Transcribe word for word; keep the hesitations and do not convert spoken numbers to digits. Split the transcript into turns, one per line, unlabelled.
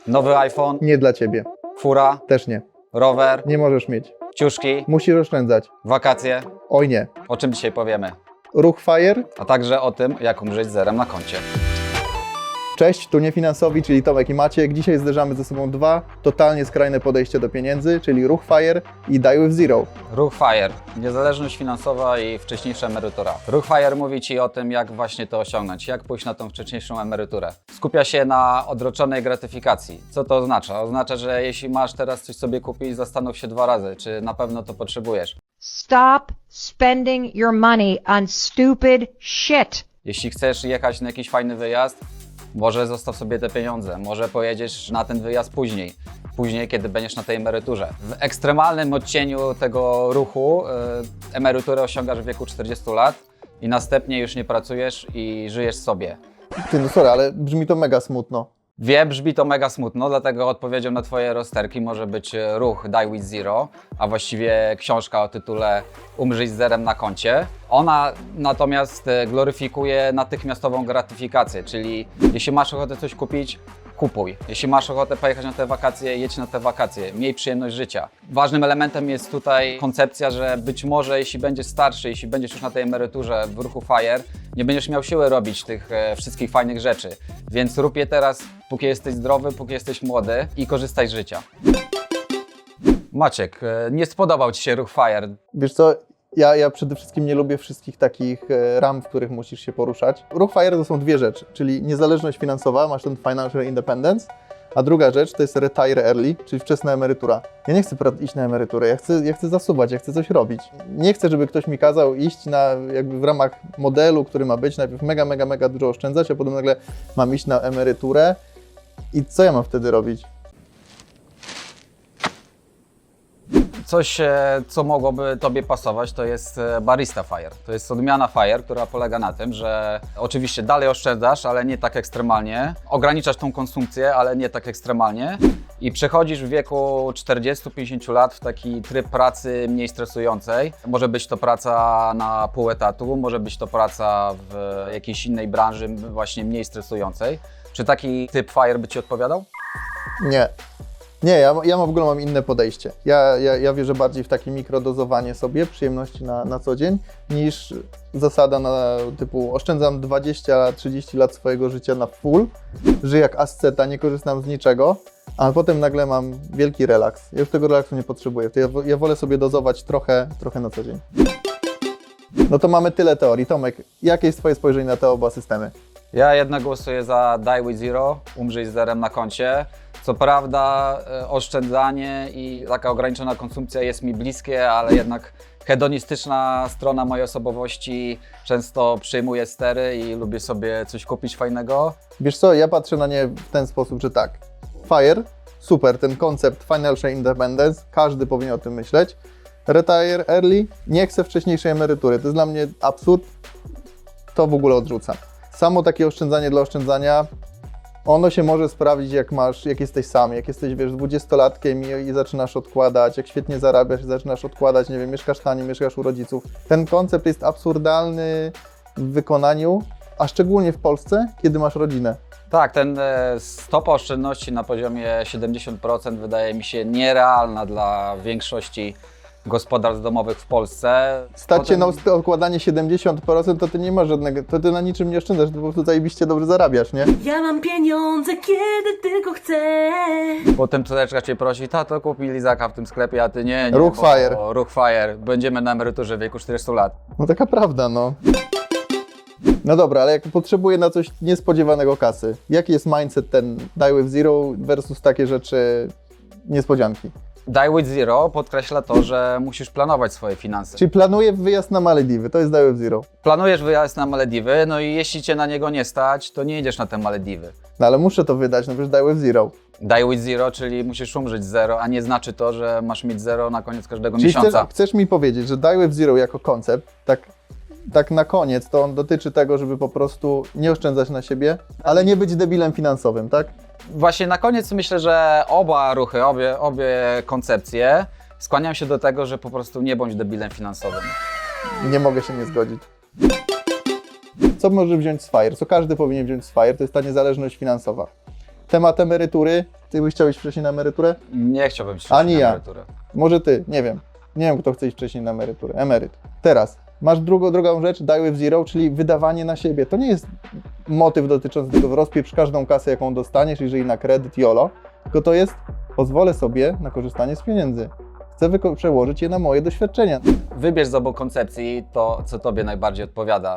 Nowy iPhone,
Nie dla ciebie.
fura,
Też nie.
rower,
Nie możesz mieć.
ciuszki,
Musisz oszczędzać.
wakacje.
Oj nie.
O czym dzisiaj powiemy?
Ruch FIRE.
A także o tym, jak umrzeć z zerem na koncie.
Cześć, tu Niefinansowi, czyli Tomek i Maciek. Dzisiaj zderzamy ze sobą dwa totalnie skrajne podejścia do pieniędzy, czyli Ruch FIRE i Die with Zero.
Ruch FIRE. Niezależność finansowa i wcześniejsza emerytura. Ruch FIRE mówi Ci o tym, jak właśnie to osiągnąć, jak pójść na tą wcześniejszą emeryturę. Skupia się na odroczonej gratyfikacji. Co to oznacza? Oznacza, że jeśli masz teraz coś sobie kupić, zastanów się dwa razy, czy na pewno to potrzebujesz.
Stop spending your money on stupid shit.
Jeśli chcesz jechać na jakiś fajny wyjazd, może zostaw sobie te pieniądze, może pojedziesz na ten wyjazd później, później kiedy będziesz na tej emeryturze. W ekstremalnym odcieniu tego ruchu yy, emeryturę osiągasz w wieku czterdziestu lat i następnie już nie pracujesz i żyjesz sobie.
Ty, no sorry, ale brzmi to mega smutno.
Wiem, brzmi to mega smutno, dlatego odpowiedzią na Twoje rozterki może być ruch Die with Zero, a właściwie książka o tytule Umrzyj z zerem na koncie. Ona natomiast gloryfikuje natychmiastową gratyfikację, czyli jeśli masz ochotę coś kupić, kupuj. Jeśli masz ochotę pojechać na te wakacje, jedź na te wakacje, miej przyjemność życia. Ważnym elementem jest tutaj koncepcja, że być może jeśli będziesz starszy, jeśli będziesz już na tej emeryturze w ruchu FIRE, nie będziesz miał siły robić tych e, wszystkich fajnych rzeczy. Więc rób je teraz, póki jesteś zdrowy, póki jesteś młody i korzystaj z życia. Maciek, e, nie spodobał Ci się ruch FIRE.
Wiesz co, ja, ja przede wszystkim nie lubię wszystkich takich e, ram, w których musisz się poruszać. Ruch FIRE to są dwie rzeczy, czyli niezależność finansowa, masz ten financial independence, a druga rzecz to jest retire early, czyli wczesna emerytura. Ja nie chcę iść na emeryturę, ja chcę, ja chcę zasuwać, ja chcę coś robić. Nie chcę, żeby ktoś mi kazał iść na, jakby w ramach modelu, który ma być, najpierw mega, mega, mega dużo oszczędzać, a potem nagle mam iść na emeryturę i co ja mam wtedy robić?
Coś, e, co mogłoby Tobie pasować, to jest e, Barista FIRE. To jest odmiana FIRE, która polega na tym, że oczywiście dalej oszczędzasz, ale nie tak ekstremalnie. Ograniczasz tą konsumpcję, ale nie tak ekstremalnie. I przechodzisz w wieku czterdziestu pięćdziesięciu lat w taki tryb pracy mniej stresującej. Może być to praca na pół etatu, może być to praca w jakiejś innej branży właśnie mniej stresującej. Czy taki typ FIRE by Ci odpowiadał?
Nie. Nie, ja, ja w ogóle mam inne podejście. Ja, ja, ja wierzę bardziej w takie mikrodozowanie sobie przyjemności na, na co dzień, niż zasada na typu oszczędzam dwadzieścia trzydzieści lat swojego życia na full, żyję jak asceta, nie korzystam z niczego, a potem nagle mam wielki relaks. Ja już tego relaksu nie potrzebuję. To ja, ja wolę sobie dozować trochę, trochę na co dzień. No to mamy tyle teorii. Tomek, jakie jest Twoje spojrzenie na te oba systemy?
Ja jednak głosuję za Die with Zero, umrzyj z zerem na koncie. Co prawda e, oszczędzanie i taka ograniczona konsumpcja jest mi bliskie, ale jednak hedonistyczna strona mojej osobowości często przyjmuje stery i lubię sobie coś kupić fajnego.
Wiesz co, ja patrzę na nie w ten sposób, że tak, FIRE, super, ten koncept financial independence, każdy powinien o tym myśleć. Retire early, nie chcę wcześniejszej emerytury, to jest dla mnie absurd, to w ogóle odrzucam. Samo takie oszczędzanie dla oszczędzania, ono się może sprawdzić, jak masz, jak jesteś sam, jak jesteś, wiesz, dwudziestolatkiem i, i zaczynasz odkładać, jak świetnie zarabiasz i zaczynasz odkładać, nie wiem, mieszkasz taniej, mieszkasz u rodziców. Ten koncept jest absurdalny w wykonaniu, a szczególnie w Polsce, kiedy masz rodzinę.
Tak, ten e, stopa oszczędności na poziomie siedemdziesiąt procent wydaje mi się nierealna dla większości gospodarstw domowych w Polsce.
Stać się
Potem...
na odkładanie siedemdziesiąt procent, to ty nie masz żadnego, to ty na niczym nie oszczędzasz, ty po prostu zajebiście dobrze zarabiasz, nie?
Ja mam pieniądze, kiedy tylko chcę.
Potem córeczka Cię prosi, tato kup mi lizaka w tym sklepie, a Ty nie, nie.
Ruch
bo-
FIRE.
Ruch FIRE. Będziemy na emeryturze w wieku czterdziestu lat.
No taka prawda, no. No dobra, ale jak potrzebuję na coś niespodziewanego kasy, jaki jest mindset ten Die with Zero versus takie rzeczy niespodzianki?
Die with Zero podkreśla to, że musisz planować swoje finanse.
Czyli planuję wyjazd na Malediwy, to jest Die with Zero.
Planujesz wyjazd na Malediwy, no i jeśli Cię na niego nie stać, to nie jedziesz na te Malediwy.
No ale muszę to wydać, no przecież Die with Zero.
Die with Zero, czyli musisz umrzeć z zero, a nie znaczy to, że masz mieć zero na koniec każdego
Czyli chcesz,
miesiąca.
chcesz mi powiedzieć, że Die with Zero jako koncept, tak, tak na koniec, to on dotyczy tego, żeby po prostu nie oszczędzać na siebie, ale nie być debilem finansowym, tak?
Właśnie na koniec myślę, że oba ruchy, obie, obie koncepcje skłaniam się do tego, że po prostu nie bądź debilem finansowym.
Nie mogę się nie zgodzić. Co może wziąć z FIRE? Co każdy powinien wziąć z FIRE? To jest ta niezależność finansowa. Temat emerytury. Ty byś chciał iść wcześniej na emeryturę?
Nie chciałbym iść
Ani
na
ja.
emeryturę.
Może ty, nie wiem. Nie wiem, kto chce iść wcześniej na emeryturę. Emeryt. Teraz. Masz drugą, drugą rzecz, die with zero, czyli wydawanie na siebie. To nie jest motyw dotyczący tego, rozpieprz każdą kasę, jaką dostaniesz, jeżeli na kredyt jolo, tylko to jest, pozwolę sobie na korzystanie z pieniędzy. Chcę wyko- przełożyć je na moje doświadczenia.
Wybierz z obu koncepcji to, co tobie najbardziej odpowiada.